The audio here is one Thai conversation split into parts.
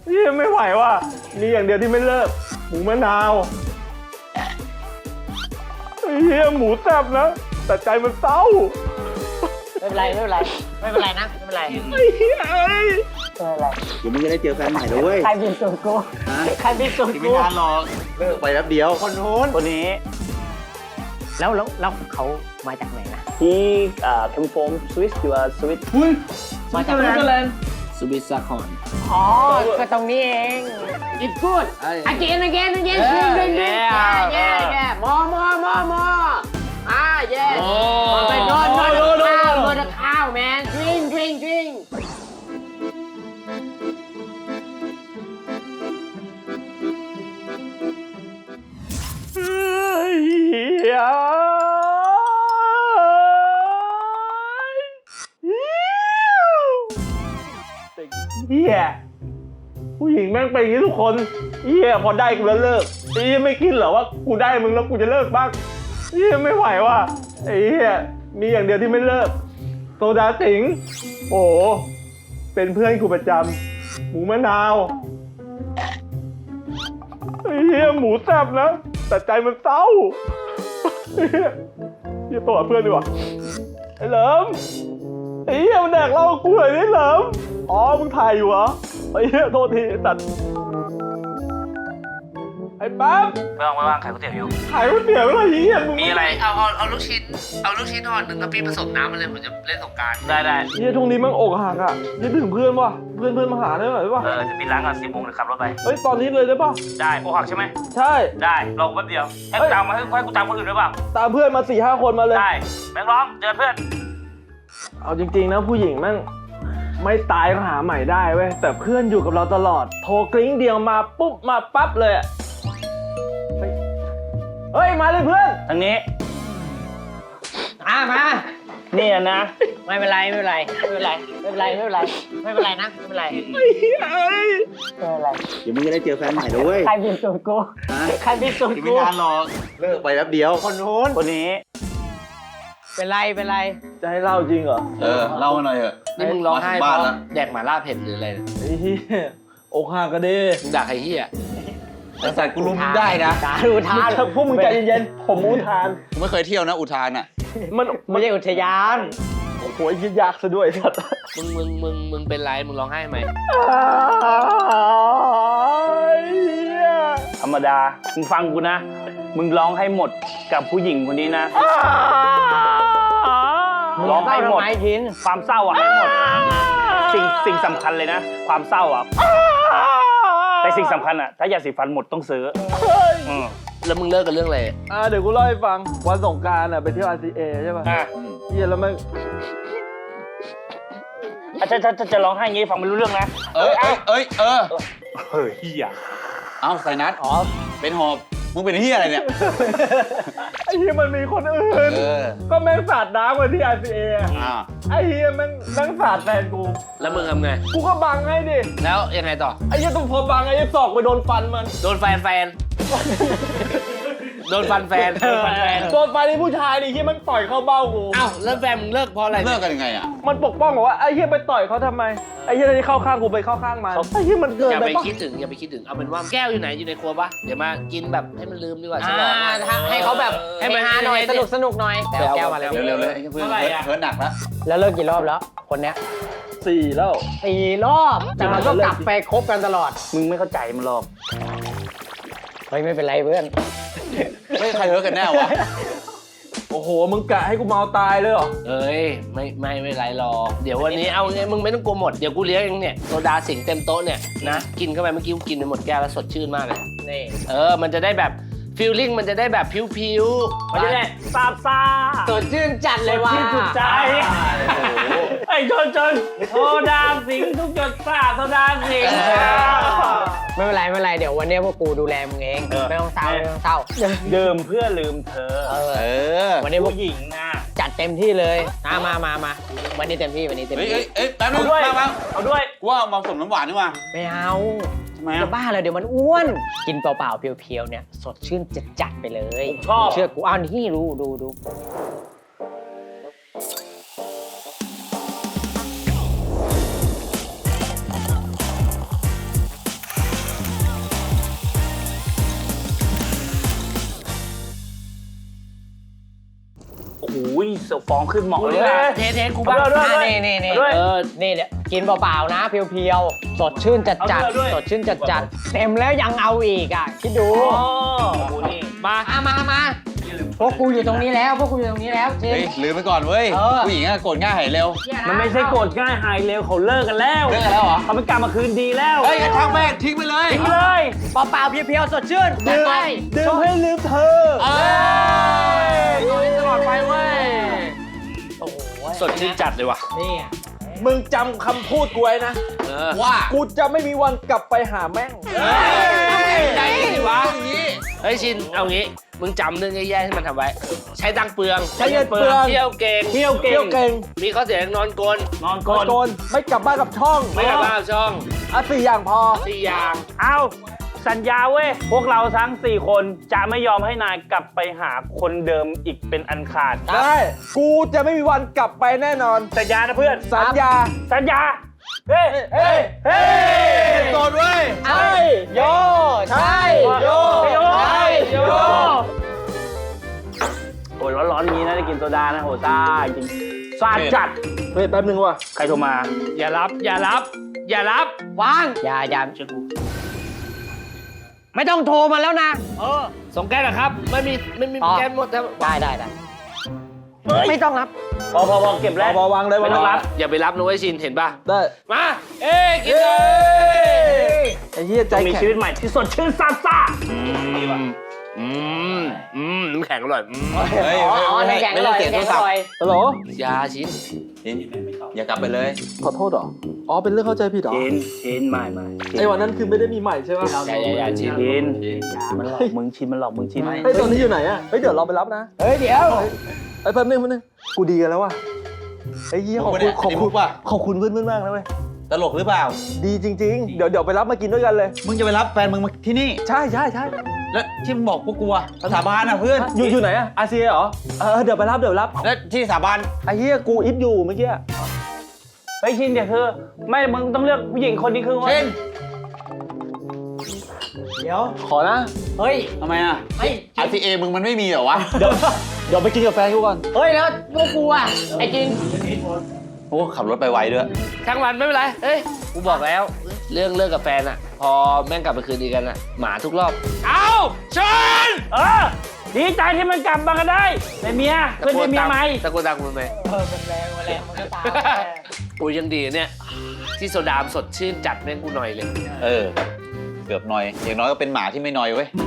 นี่ไม่ไหวว่ะมีอย่างเดียวที่ไม่เลิกหมูมะนาวเฮียหมูแซ่บนะแต่ใจมันเศร้าไม่เป็นไรไม่เป็นไรไม่เป็นไรนะไม่เป็นไรไอ้เฮียเอ้ยไม่เป็นไรเดี๋ยวมึงจะได้เจอแฟนใหม่แล้วเว้ยใครเป็นตัวกูใครเป็นตัวไม่กูนานหรอกเลิกไปแป๊บเดียวคนนู้นคนนี้แล้วเขามาจากไหนนะ he come from Swiss you are Swiss มาจากไหนสวิตซาคอนอ๋อก็ตรงนี้เอง It's good again yeah more yeah ไปนอนข้าว man drink เฮียเฮียผู้หญิงแม่งเป็นอย่างนี้ทุกคนเฮียพอได้กูแล้วเลิกเฮียไม่คิดเหรอว่ากูได้มึงแล้วกูจะเลิกบ้างเฮียไม่ไหวว่ะไอ้เฮียมีอย่างเดียวที่ไม่เลิกโซดาสิงห์โอ้โหเป็นเพื่อนกูประจำหมูมะนาวไอ้เฮียหมูแซ่บนะแต่ใจมันเศร้าเฮียตัวเพื่อนดีกว่าไอ้เหลิมไอ้เฮียมันแดกเหล้ากูเลยนี่เหลิมอ๋อมึงถ่ายอยู่เหรอไอ้เฮียโทษทีตัดไอ้ปั๊บไม่ว่างขายก๋วยเตี๋ยวอยู่ขายก๋วยเตี๋ยวอะไรเฮียมึงมีอะไรเอาลูกชิ้นห่อหนึ่งกะปิผสมน้ำมาเลยผมจะเล่นสงกรานต์ได้เฮียช่วงนี้มันอกหักอ่ะเฮียถึงเพื่อนว่ะเพื่อนมาหาได้ไหมวะจะปิดร้านก่อน10 โมงเดี๋ยวขับรถไปเฮ้ยตอนนี้เลยได้ป่ะได้โอหักใช่ไหมใช่ได้ลองแป๊บเดียวให้กูตามมาให้กูตามคนอื่นหรือเปล่าตามเพื่อนมา 4-5 คนมาเลยได้แบงค์ร้องเจอเพื่อนเอาจริงๆนะผู้หญิงแม่งไม่ตายก็หาใหม่ได้เว้ยแต่เพื่อนอยู่กับเราตลอดโทรกริ้งเดียวมาปุ๊บมาปั๊บเลยอะเฮ้ยมาเลยเพื่อนทางนี้มานี่นะไม่เป็นไรนะไม่เป็นไรนะไม่เป็นไรเอ้ยเดี๋ยวมึงจะได้เจอแฟนใหม่แล้วเว้ยใครเป็นตัวกูใครเป็นตัวไม่กูนานหรอกเลิกไปแป๊บเดียวคนนู้นคนนี้เป็นไรจะให้เล่าจริงเหรอเล่ามาหน่อยเถอะนี่มึงร้องไห้มาถึงเพบ้านราะแล้วแดกหม่าล่าเผ็ดหรืออะไรไอ้เหี้ยอกหักกันดิมึงด่าใครเฮียแต่สัตว์กูรู้มึงได้นะสาธุทานพวกมึงใจเย็นๆผมอุทานกูไม่เคยเที่ยวนะอุทานอ่ะมันไม่ใช่อุทยานโอ้โหคิดยากซะด้วยสัตว์มึงเป็นไรมึงร้องไห้ไหมธรรมดามึงฟังกูนะมึงร้องให้หมดกับผู้หญิงคนนี้นะร้องให้หมดไม้กินความเศร้าอ่ะให้หมดสิ่งสำคัญเลยนะความเศร้าอ่ะแต่สิ่งสำคัญอ่ะถ้ายาสีฟันหมดต้องซื้อแล้วมึงเลิกกันเรื่องอะไรเดี๋ยวกูเล่าให้ฟังวันสงกรานต์ไปเที่ยว RCA ใช่ป่ะเฮียแล้วมันจะร้องไห้อย่างงี้ฟังไม่รู้เรื่องนะเฮ้ยเฮียเอาใส่นัดเป็นหอบ มึงเป็นที่อะไรเนี่ยไอ้เฮียมันมีคนอื่นก็แม่งสาดน้ำกันที่ RCA ไอ้เฮียแม่งสาดแฟนกูแล้วมึงทำไงกูก็บังให้ดิแล้วยังไงต่อไอ้เฮียต้องพอบังไอ้เฮียศอกไปโดนฟันมันโดนแฟนโดนฟันแฟนโดนฟันไอ้ผู้ชายดิเฮียมันต่อยเข้าเบ้ากูอ้าวแล้วแฟนมึงเลิกเพราะอะไรเลิกกันยังไงอ่ะมันปกป้องบอกว่าไอ้เฮียไปต่อยเขาทำไมไอ้เฮียที่เข้าข้างกูไปเข้าข้างมันไอ้เฮียมันเกินอย่าไปไปปะคิดถึงเอาเป็นว่าแก้วอยู่ไหนอยู่ในครัวปะเดี๋ยวมากินแบบให้มันลืมดีกว่าฉลองให้เขาแบบให้มันฮาหน่อยสนุกหน่อยแต่แก้วมาแล้วเร็วๆเลยเพื่อนเฮิร์ตหนักแล้วแล้วเลิกกี่รอบแล้ว คนเนี้ย 4 แล้ว 4 รอบแต่มันก็กลับไปคบกันตลอดมึงไม่เข้าใจมันหรอกเฮ้ยไม่เป็นไรเพื่อนไม่ใครเฮิร์ตกันแน่วะโอ้โหมึงกะให้กูเมาตายเลยเหรอเอ้ยไม่เป็นไรหรอกเดี๋ยววันนี้เอาไงมึงไม่ต้องกลัวหมดเดี๋ยวกูเลี้ยงเองเนี่ยโซดาสิงเต็มโต๊ะเนี่ยนะกินเข้าไปเมื่อกี้กูกินไปหมดแก้วแล้วสดชื่นมากเลยนี่มันจะได้แบบฟีลลิ่งมันจะได้แบบผิวๆมันจะได้ซาบซ่าสดชื่นจัดเลยว่ะที่สุดใจไอ้จนโซดาสิงทุกหยดซ่าโซดาสิงไม่เป็นไรเดี๋ยววันนี้พวกกูดูแลมึงเองไม่ต้องเศร้าดื่มเพื่อลืมเธอวันนี้พวกผู้หญิงนะจัดเต็มที่เลยมาวันนี้เต็มที่เฮ้ยแป๊บนึเอางด้วยมาเอาด้วยกูว่ามาผสมน้ำหวานดีกว่าไม่เอาทำไมจะอ่ะบ้าเลยเดี๋ยวมันอ้วนกินเปล่าๆเพียวๆเนี่ยสดชื่นจัดไปเลยชอบเชื่อกูอ้าวนี่ดูฟองขึ้นเหมาะเลยเทกูบ้างเอาด้วยนี่ด้วยนี่เดี๋ยวกินเปล่าๆนะเพียวๆสดชื่นจัดเอาด้วยสดชื่นจัดเต็มแล้วยังเอาอีกอ่ะคิดดูอ๋อกูนี่มามาพวกกูอยู่ตรงนี้แล้วชิเฮ้ยลืมไปก่อนเว้ยเออผู้หญิงอะโกรธง่ายหายเร็วมันไม่ใช่โกรธง่ายหายเร็วเขาเลิกกันแล้วเลิกกันแล้วเหรอเขาเป็นกลับมาคืนดีแล้วเฮ้ยงั้นช่างแม่งทิ้งไปเลยทิ้งเลยเปล่าๆเพียวๆสดชื่นดื่มให้ลืมเธอเอ้ยตลอดไปเว้ยโอ้โหสดชื่นจัดเลยว่ะนี่มึงจำคำพูดกูไว้นะว่ากูจะไม่มีวันกลับไปหาแม่งใจดีวะเฮ้ยชินเอางี้มึงจำเรื่องแย่ๆที่มันทำไว้ ใช้ตังค์เปลืองใช้เงินเปลืองเที่ยวเก่งเที่ยวเก่เที่ยวงเก่งมีข้อเสียนอนกลนนอนโกก่อนนไม่กลับบ้านกับช่องไม่กลับบ้านช่อง 4 อย่างพอ 4 อย่างเอาสัญญาเว้ยพวกเราทั้ง4 คนจะไม่ยอมให้นายกลับไปหาคนเดิมอีกเป็นอันขาดได้ กูจะไม่มีวันกลับไปแน่นอนสัญญานะเพื่อนสัญญาสัญญาเฮ้ยเฮ้ยเฮ้ยโกรธเว้ยใช่โยใช่โยใช่โยโอ้ยร้อนๆนี้นะได้กินโซดานะโหซ่าจริงซ่าจัดเฮ้ยแป๊บนึงว่ะใครโทรมาอย่ารับวางอย่าเชื่อกูไม่ต้องโทรมาแล้วนะส่งแก๊สเหรอครับ ไม่มีแก๊สหมดแล้วได้ไม่ต้องรับพอเก็บแล้วพอวางเลยไม่ต้องรับอย่าไปรับนะเว้ยชินเห็นป่ะได้มากินเลยไอ้เหี้ยใจจะมีแข็งชีวิตใหม่ที่สดชื่นซ่าซ่าน้ำแข็งอร่อยเฮ้ยในแกงอร่อยไม่แกได้งเสียอโทรศัพร่อยท์ฮัลโหลยาชินชินอย่ากลับไปเลยขอโทษเหรอ อ๋อ เป็นเรื่องเข้าใจผิดเหรอชินไม่ไอ้วันนั้นคือไม่ได้มีใหม่ใช่ไหมอย่าชินชินมันหลอกมึงชินมันหลอกมึงชินเฮ้ยตอนนี้อยู่ไหนอะเฮ้ยเดี๋ยวเราไปรับนะเฮ้ยเดี๋ยวไอ้แป๊บนึงกูดีกันแล้วว่ะไอ้เหี้ยขอบคุณขอบคุณป่ะขอบคุณเพื่อนๆมากนะเว้ยตลกหรือเปล่าดีจริง ๆ เดี๋ยวไปรับมากินด้วยกันเลยมึงจะไปรับแฟนมึงมาที่นี่ใช่แล้วที่มึงบอกพวกกูอะสถาบันอะเพื่อนอยู่ไหนอะอาเซียเหรอ เดี๋ยวไปรับแล้วที่สถาบันไอ้เหี้ยกูอิฟอยู่เมื่อกี้เฮ้ยชินเดี๋ยวคือไม่มึงต้องเลือกผู้หญิงคนนี้คือเช่นเดี๋ยวขอนะเฮ้ยทำไมอะเฮ้ย RCA มึงมันไม่มีเหรอวะเดี๋ยวไปกินกับแฟนกูก่อนเฮ้ยแล้วพวกกูอ่ะไอ้จริงโอ้ขับรถไปไวด้วยทั้งวันไม่เป็นไรเฮ้ยกูบอกแล้ว เรื่องเลิกกับแฟนอะพอแม่งกลับไปคืนดีกันอะหมาทุกรอบเอาชินดีใจที่มันกลับมากันได้เป็นเมียเพื่อนเป็นเมียไหมตะโกนดังมึงไหมมันแรงมันก็ตามกูยังดีเนี่ยที่โซดามสดชื่นจัดแม่งกูหน่อยเลยเกือบหน่อย อย่างน้อยก็เป็นหมาที่ไม่หน่อยเว้ย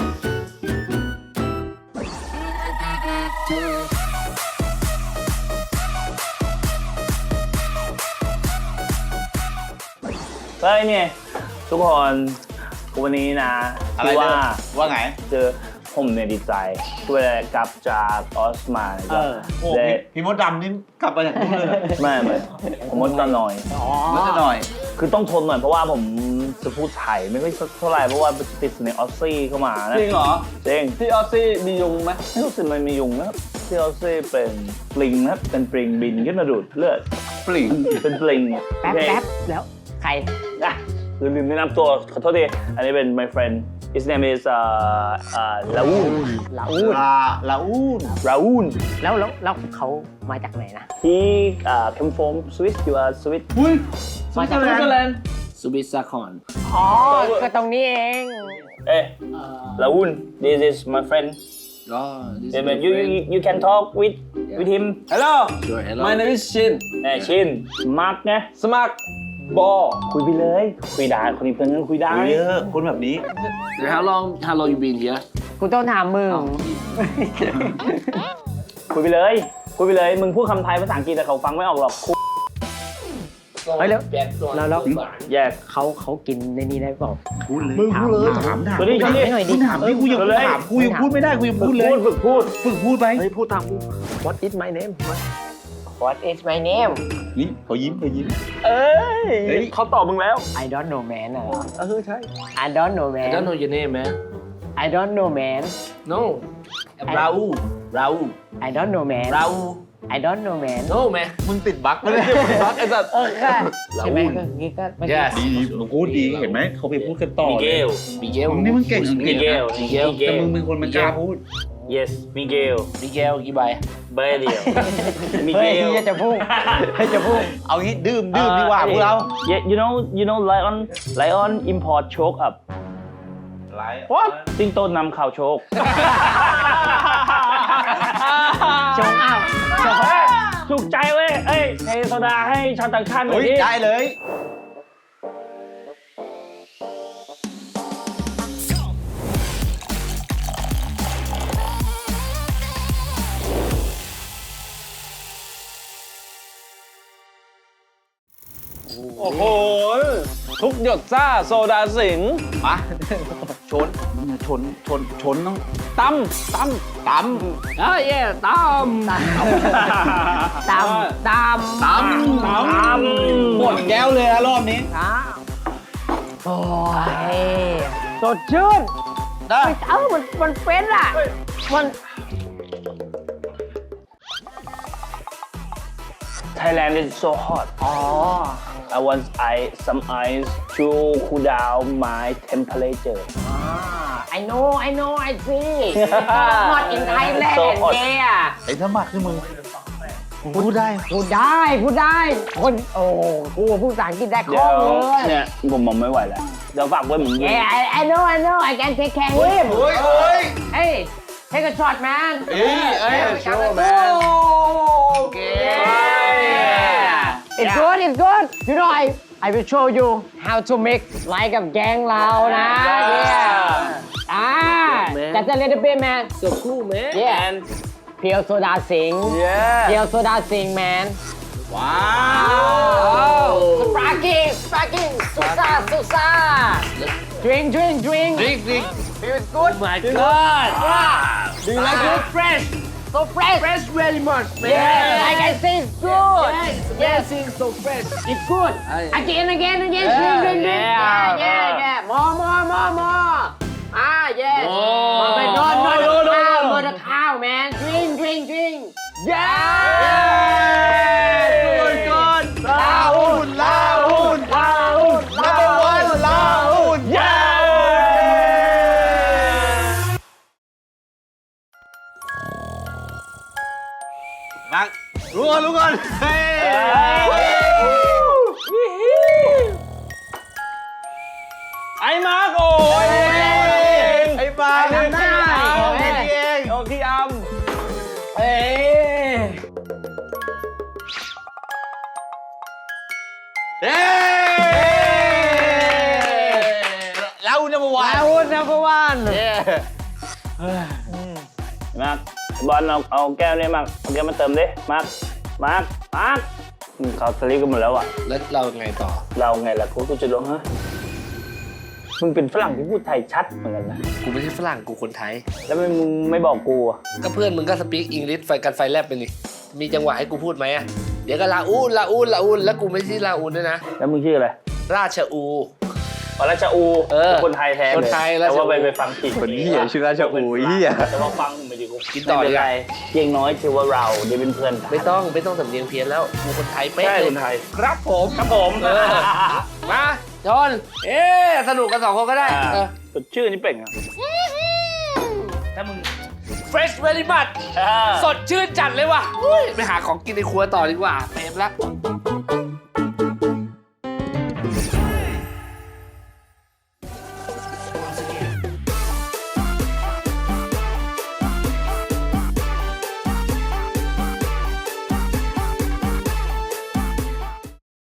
เฮ้ยเนี่ยทุกคนวันนี้นะอะไรที่เด้ว่าอว่าไงเจอผมเนี่ยดีใจช่วยอะไรกลับจากออสมานะครับโอ้ได้พี่มดดำนี่กลับมาจากนู่นเลยเหรอไม่ผมมดกันหน่อยมดจะหน่อยคือต้องทนหน่อยเพราะว่าผมจะพูดไทยไม่ค่อยเท่าไหร่เพราะว่าติดในออสซี่เข้ามานะจริงเหรอจริงที่ออสซี่มียุงไหมไม่รู้สึกมันมียุงนะครับที่ออสซี่เป็นปลิงนะครับเป็นปลิงบินขึ้นมาดูดเลือดปลิ่งเป็นปลิงแป๊บแล้วใครอ่ะคือลืมแนะนำตัวขอโทษทีอันนี้เป็น my friend his name is Raoul ลาอูน Raoul แล้วเขามาจากไหนนะ he came from Swiss you are Swiss มาจากไหนสุบิสาคอนอ๋อก็ตรงนี้เอง eh Raoul this is my friend ก็ you can talk with him hello My name is Shin ชินมาร์กไงสมัครบอคุยไปเลย คุยได้คนนี้เพื่อนกันคุยได้เยอะคนแบบนี้ How long you been here กูต้องถามมึงคุยไปเลย คุยไปเลย มึงพูดคำไทยภาษาอังกฤษแต่เขาฟังไม่ออกหรอกเฮ้ยแล้วแยกเขากินในนี้ได้เปล่ามึงพูดเลยถามตัวนี้ถามให้หน่อยดิถามนี่กูยังถามกูยังพูดไม่ได้กูยังฝึพูกดเลยพูดฝึกพูดฝึกพูดไปเฮ้ยพูดตามกู What is my name What is my name นี่เขายิ้มเอ้ยเขาตอบมึงแล้ว I don't know man เหรอใช่ I don't know I man don't know your name man I don't know man No Raul I don't know man I don't know man No man มึงติดบั๊กไม่ได้บั๊กไอ้สัตว์ค่ะใช่ไหมก็งี้ก็ Yes ดีมึงพูดดีเห็นไหมเขาไปพูดกันต่อมิเกลมิเกลมึงนี่มึงเก่งอังกฤษมิเกลนะแต่มึงเป็นคนมันกล้าพูด yes มิเกลมิเกลกี่ใบใบเดียวมิเกเฮ้ยลจะพุ่งจะพุ่งเอางี้ดื่มดีกว่าพวกเรา yeah you know lion import choke up what สิงโตนำข่าวโชคชงอ้าวถูกใจเว้ยเอ้ยเทโซดาให้ชาวต่างชาติหน่อเฮ้ยยดิได้เลยโอ้โห ทุกหยดซ่าโซดาสิงห์มาชนต้องตั้มเอ้ยตามตามหมดแก้วเลยนะรอบนี้โอ้ยสดชื่นได้มันเป็นอ่ะมัน Thailand is so hot อ๋อ I want some ice to cool down my temperature I know I see hot in Thailand So hot. yeah ไอ้ถ้ามัดนี่มึงพูดได้พูดได้คนโอ้กูพูดภาษาอังกฤษได้คเดี๋ล่ยองวเลยเนี่ยผมมองไม่ไหวแล้ว เดี๋ยวฝากไว้เหมือนเดิม Yeah I know I can take care him เฮ้ย Hey take a shot man เอ้ย show man Yeah It's good You know I will show you how to make like a แกงเรานะ Yeah Just a little bit man so cool man Yeah เพียวโซดาสิงห์เพียวโซดาสิงห์ man ว้า Sparking Susa Drink drink Feel good my god Do you like it fresh So fresh fresh very much man Yeah I can say it's good amazing so fresh It's good Again Drink Yeah More Yes But not the cow man Drink Yeah good ลาหุ่นnumber one ลาหุ่นเย้ นักรู้ก่อนเฮ้ยไอ้มาร์กโอ้ยไอ้บ้าทำได้เองโอ้ขี้อำเอ้ยเย้แล้วนัมเบอร์วันอาวุธ number one มาร์คบอลเอาแก้วนี่มาร์คเอาแก้วมาเติมดิมาร์คเขาสลิปกันหมดแล้วอ่ะแล้วเราไงต่อเราไงล่ะกูจะร้องฮะมึงเป็นฝรั่งที่พูดไทยชัดเหมือนกันนะกูไม่ใช่ฝรั่งกูคนไทยแล้วมึงไม่บอกกูอ่ะก็เพื่อนมึงก็สปีกอังกฤษไฟกันไฟแลบไปนี่มีจังหวะให้กูพูดไหมอะเดี๋ยวก็ลาอูนแล้วกูไม่ใช่ลาอูนด้วยนะแล้วมึงชื่ออะไรราชอูอ๋อราชอูเออคนไทยแท้เลยคนไทยราชอูแต่ว่าไปฟังผิดคนเหี้ยชื่อราชอูเหี้ยแต่ว่าฟังไม่ดีกูกินต่อไม่เป็นดีกไรว่าเพียงน้อยชื่อว่าเราเดี๋ยวเป็นเพื่อนกันไม่ต้องสำเนียงเพี้ยนแล้วกูคนไทยเป๊ะใช่เลยคนไทยครับผมครับผมเออมาจอนสนุกกัน2 คนก็ได้เออสดชื่อนี่เป่งอ่ะถ้ามึง fresh very much สดชื่นจัดเลยว่ะอุ้ยไปหาของกินในครัวต่อดีกว่าเต็มแล้ว